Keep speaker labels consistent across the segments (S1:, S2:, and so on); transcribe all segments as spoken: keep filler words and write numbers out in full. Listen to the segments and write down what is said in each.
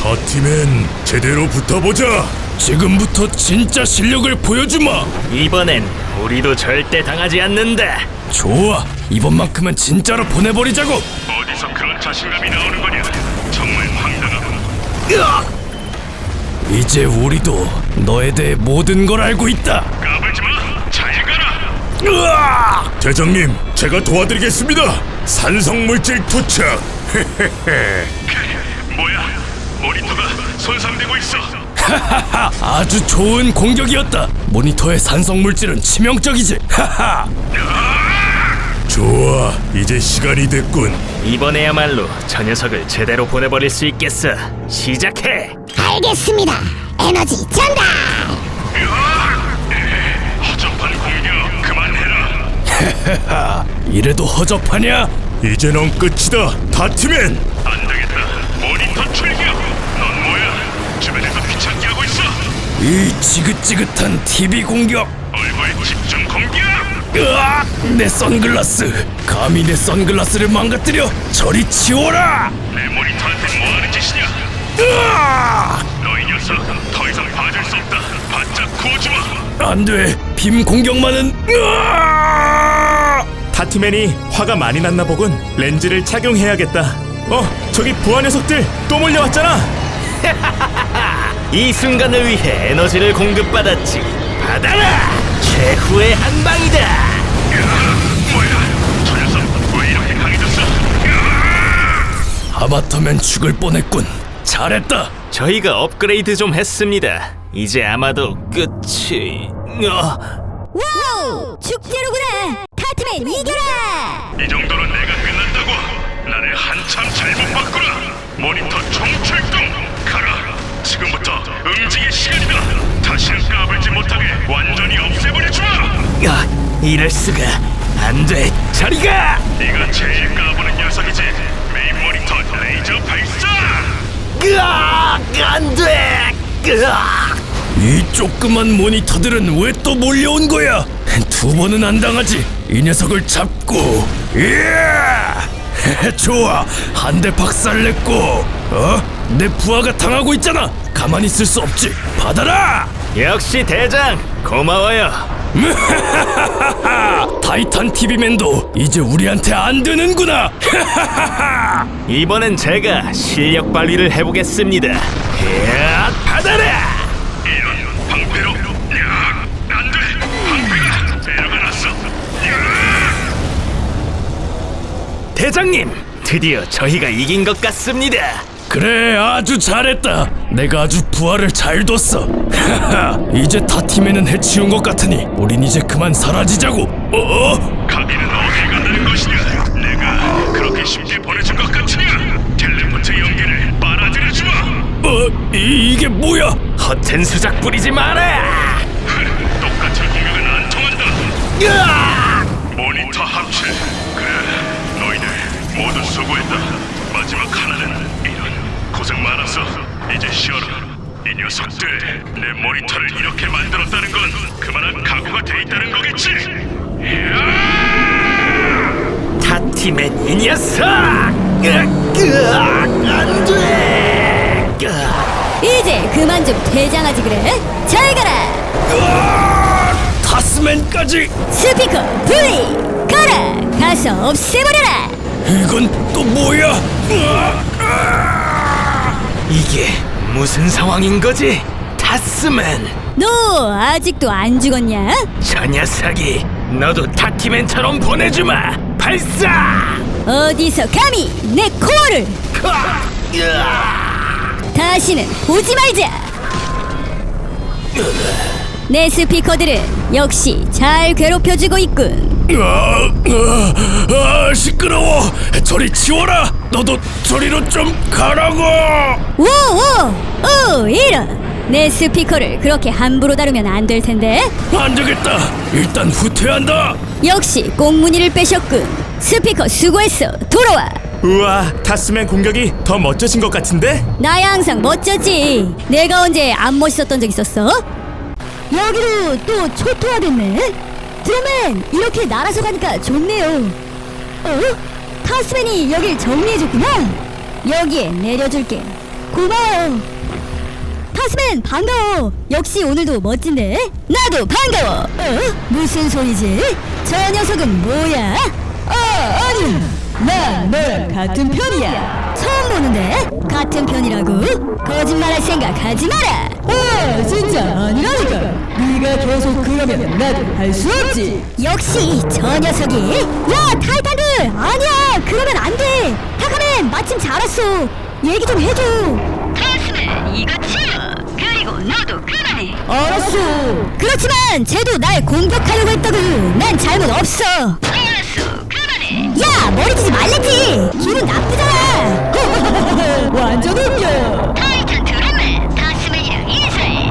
S1: 타티맨, 제대로 붙어보자. 지금부터 진짜 실력을 보여주마.
S2: 이번엔 우리도 절대 당하지 않는다.
S1: 좋아, 이번만큼은 진짜로 보내버리자고.
S3: 어디서 그런 자신감이 나오는 거냐? 정말 황당하군.
S1: 이제 우리도 너에 대해 모든 걸 알고 있다.
S3: 까불지 마. 잘 가라.
S1: 으아! 대장님, 제가 도와드리겠습니다. 산성물질 투척.
S3: 뭐야? 모니터가 손상되고 있어.
S1: 하하하, 아주 좋은 공격이었다. 모니터의 산성물질은 치명적이지. 하하. 좋아, 이제 시간이 됐군.
S2: 이번에야말로 저 녀석을 제대로 보내버릴 수 있겠어. 시작해.
S4: 알겠습니다. 에너지 전달.
S3: 허접한 공격 그만해라.
S1: 하하, 이래도 허접하냐? 이제 넌 끝이다, 타티맨.
S3: 안 되겠다. 모니터 출격. 넌 뭐야? 주변에서 귀찮게 하고 있어.
S1: 이 지긋지긋한 티비 공격.
S3: 얼굴 집중 공격.
S1: 으악! 내 선글라스. 감히 내 선글라스를 망가뜨려. 저리 치워라.
S3: 내 모니터한테 뭐 하는 짓이냐?
S1: 으악!
S3: 너희 녀석 더 이상 봐줄 수 없다. 바짝 구워주마.
S1: 안돼, 빔 공격만은. 으악!
S5: 타티맨이 화가 많이 났나 보군. 렌즈를 착용해야겠다. 어, 저기 부하 녀석들 또 몰려왔잖아.
S2: 이 순간을 위해 에너지를 공급받았지. 받아라. 최후의 한 방이다.
S3: 뭐야? 저 녀석 왜 이렇게 강해졌어?
S1: 하마터면 죽을 뻔했군. 잘했다.
S2: 저희가 업그레이드 좀 했습니다. 이제 아마도 끝이... 어...
S4: 와우! 축제로구나. 타트맨 이겨라.
S3: 이 정도로 내가 끝난다고? 나를 한참 잘못 봤구나. 모니터 총출동 가라. 지금부터 응징의 시간이다. 다시는 까불지 못하게 완전히 없애버려주마.
S2: 야, 이럴 수가. 안 돼. 저리 가.
S3: 네가 제일 까부는 녀석이지. 메인 모니터 레이저 발사.
S2: 으악! 안 돼. 으악!
S1: 이 조그만 모니터들은 왜 또 몰려온 거야? 두 번은 안 당하지. 이 녀석을 잡고. 예! 좋아, 한 대 박살냈고. 어? 내 부하가 당하고 있잖아. 가만히 있을 수 없지. 받아라.
S2: 역시 대장. 고마워요.
S1: 타이탄 티비맨도 이제 우리한테 안 되는구나.
S2: 이번엔 제가 실력 발휘를 해보겠습니다. 이야, 받아라.
S3: 이런 방패로. 야, 안돼. 방패가 에러가 났어.
S2: 대장님, 드디어 저희가 이긴 것 같습니다.
S1: 그래, 아주 잘했다. 내가 아주 부하를 잘 뒀어. 이제 타티맨은 해치운 것 같으니 우린 이제 그만 사라지자고. 어?
S3: 가비는 어디 간다는 것이냐? 내가 그렇게 쉽게 보내준 것 같으냐? 텔레포트 연기를 빨아들여주마.
S1: 어? 이, 이게 뭐야?
S2: 허튼 수작 부리지 마라.
S3: 똑같은 공격은 안 통한다.
S2: 으악!
S3: 모니터 합체. 그래, 너희들 모두 수고했다. 마지막 하나는 이런 고생 많았어. 이제 쉬어라. 이 녀석들, 내 모니터를 이렇게 만들었다는 건 그만한 각오가 돼 있다는 거겠지?
S2: 타티맨 이 녀석! 으악! 으악! 안 돼! 으악!
S4: 이제 그만 좀 퇴장하지 그래. 잘 가라.
S1: 으악! 타스맨까지.
S4: 스피커 분리. 가라. 가서 없애버려라.
S1: 이건 또 뭐야? 으악! 으악!
S2: 이게 무슨 상황인 거지? 타스맨!
S4: 너 아직도 안 죽었냐?
S2: 저 녀석이 너도 타티맨처럼 보내주마! 발사!
S4: 어디서 감히 내 코어를.
S2: 으악! 으악!
S4: 다시는 보지 말자. 내 스피커들은 역시 잘 괴롭혀주고 있군.
S1: 아, 아, 아, 시끄러워. 저리 치워라. 너도 저리로 좀 가라고.
S4: 오오 오 이런. 내 스피커를 그렇게 함부로 다루면 안 될 텐데.
S1: 안 되겠다. 일단 후퇴한다.
S4: 역시 꽁무니를 빼셨군. 스피커 수고했어. 돌아와.
S5: 우와, 타스맨 공격이 더 멋져진 것 같은데?
S4: 나야 항상 멋졌지. 내가 언제 안 멋있었던 적 있었어? 여기로 또 초토화됐네. 드로맨 이렇게 날아서 가니까 좋네요. 어? 타스맨이 여길 정리해줬구나. 여기에 내려줄게. 고마워. 타스맨 반가워. 역시 오늘도 멋진데. 나도 반가워. 어? 무슨 소리지? 저 녀석은 뭐야? 아 아니야. 난 너랑 같은 편이야. 처음 보는데? 같은 편이라고? 거짓말할 생각 하지 마라. 아 진짜 아니라니까. 네가 계속 그러면 나도 할 수 없지. 역시 저 녀석이. 야 타이탄들 아니야 그러면 안돼. 타카맨 마침 잘 왔어. 얘기 좀 해줘.
S6: 타스맨 이거 치워. 그리고 너도 그만해.
S4: 알았어. 그렇지만 쟤도 날 공격하려고 했다고. 난 잘못 없어.
S6: 알았어. 그만해.
S4: 야 머리 쓰지 말랬지. 기분 나쁘잖아. 완전 웃겨.
S6: 타이탄 드럼맨 타스맨이랑 인사해.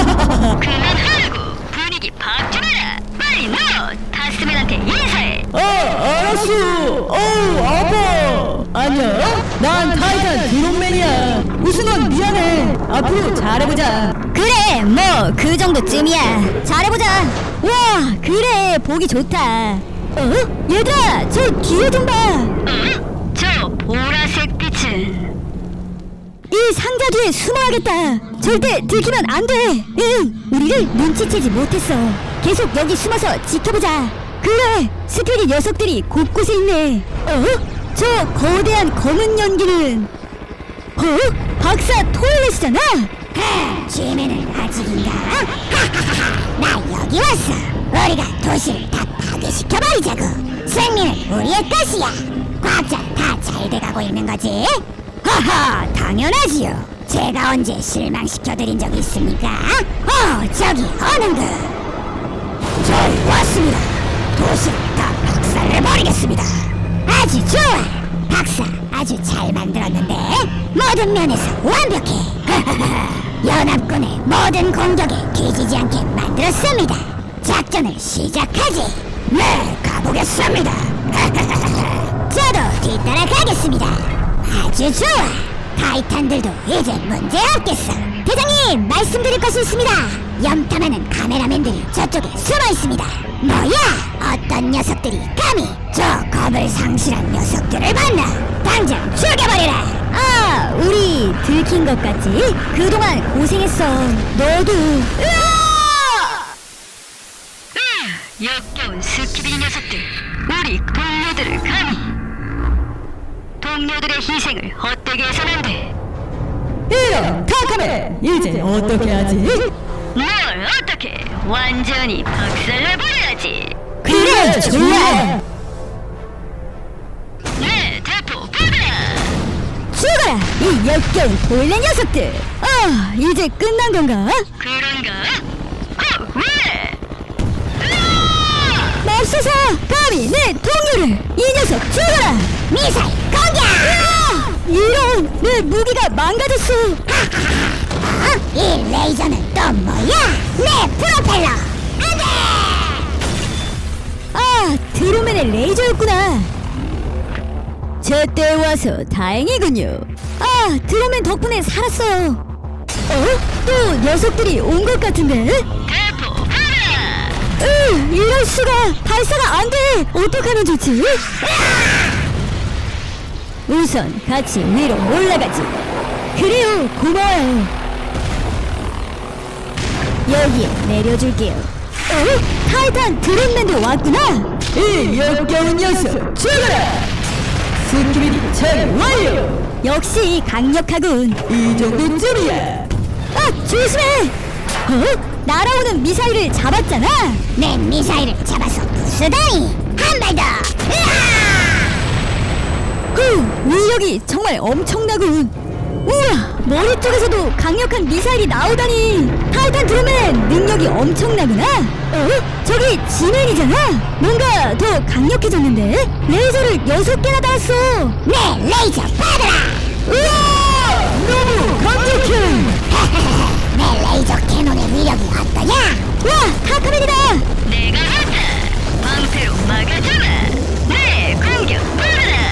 S6: 그만하라고. 분위기 팍 주느라. 빨리 너 타스맨한테 인사해.
S4: 어 알았어. 어우 아파. 안녕. 난 타이탄 드론맨이야. 무슨 건 미안해. 앞으로 잘해보자. 그래 뭐 그 정도쯤이야. 잘해보자. 와 그래 보기 좋다. 어? 얘들아 저 뒤에 좀 봐.
S6: 어? 저 보라색 빛은
S4: 이 상자 뒤에 숨어야겠다. 절대 들키면 안 돼. 응, 우리를 눈치채지 못했어. 계속 여기 숨어서 지켜보자. 그래, 스피릿 녀석들이 곳곳에 있네. 어? 저 거대한 검은 연기는 어? 박사 토일렛이잖아.
S7: 지면은 아직인가? 나 여기 왔어. 우리가 도시를 다 파괴시켜버리자고. 승리는 우리의 것이야. 과학자 다 잘 돼가고 있는 거지? 허허, 당연하지요. 제가 언제 실망시켜드린 적이 있습니까? 어, 저기 어는가? 저희 왔습니다. 도시를 다 박살내버리겠습니다. 아주 좋아. 박사 아주 잘 만들었는데 모든 면에서 완벽해. 연합군의 모든 공격에 뒤지지 않게 만들었습니다. 작전을 시작하지. 네, 가보겠습니다. 저도 뒤따라 가겠습니다. 아주 좋아. 타이탄들도 이제 문제 없겠어. 대장님, 말씀드릴 것이 있습니다. 염탐하는 카메라맨들이 저쪽에 숨어 있습니다. 뭐야? 어떤 녀석들이 감히 저 겁을 상실한 녀석들을 만나 당장 죽여버리라.
S4: 아, 우리 들킨 것 같지? 그동안 고생했어. 너도. 으아!
S6: 역겨운 스키비 녀석들. 우리 동료들을 감히. 동료들의 희생을 헛되게 해서는 안 돼.
S4: 이런 타카맨 이제 어떻게 하지?
S6: 뭘 어떻게 완전히 박살내버려야지.
S4: 그래 좋아.
S6: 네, 대포 받아라.
S4: 죽어라 이 역겨운 토일렛 녀석들. 아 이제 끝난 건가?
S6: 그런가? 어, 왜?
S4: 맙소사 감히 내 동료를. 이 녀석 죽어라.
S7: 미사일 공격!
S4: 아, 이런 내 무기가 망가졌어.
S7: 어? 이 레이저는 또 뭐야? 내 프로펠러! 안돼!
S4: 아 드루맨의 레이저였구나. 제때 와서 다행이군요. 아 드루맨 덕분에 살았어요. 어? 또 녀석들이 온 것 같은데?
S6: 대포 받아라.
S4: 으 이럴 수가. 발사가 안 돼. 어떡하면 좋지? 우선 같이 위로 올라가지. 그래요 고마워요. 여기에 내려줄게요. 어? 타이탄 드론맨도 왔구나. 이 역겨운 녀석 죽어라. 스키비디 처리 완료. 역시 강력하군. 이 정도쯤이야. 아 조심해. 어? 날아오는 미사일을 잡았잖아.
S7: 내 미사일을 잡아서 부수다니! 한 발 더! 으아!
S4: 후, 위력이 정말 엄청나군. 우와, 머리 쪽에서도 강력한 미사일이 나오다니. 타이탄 드루맨 능력이 엄청나구나. 어? 저기 지맨이잖아. 뭔가 더 강력해졌는데? 레이저를 여섯 개나 달았어.
S7: 내 레이저 받아라!
S4: 우와, 너무 강력해.
S7: 내 레이저 캐논의 위력이 어떠냐?
S4: 와, 타카맨이다.
S6: 내가 왔다. 방패로 막아주마. 네, 공격 받아라.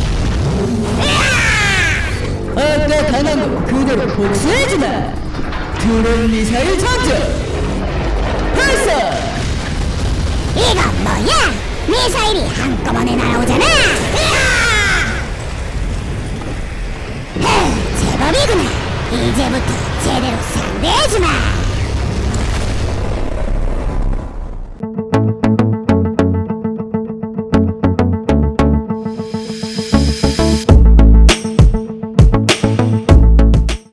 S4: 아까 당한 거 그대로 복수해주마. 드론 미사일 장전 발사.
S7: 이거 뭐야? 미사일이 한꺼번에 날아오잖아! 으아! 흐, 제법이구나. 이제부터 제대로 상대해주마.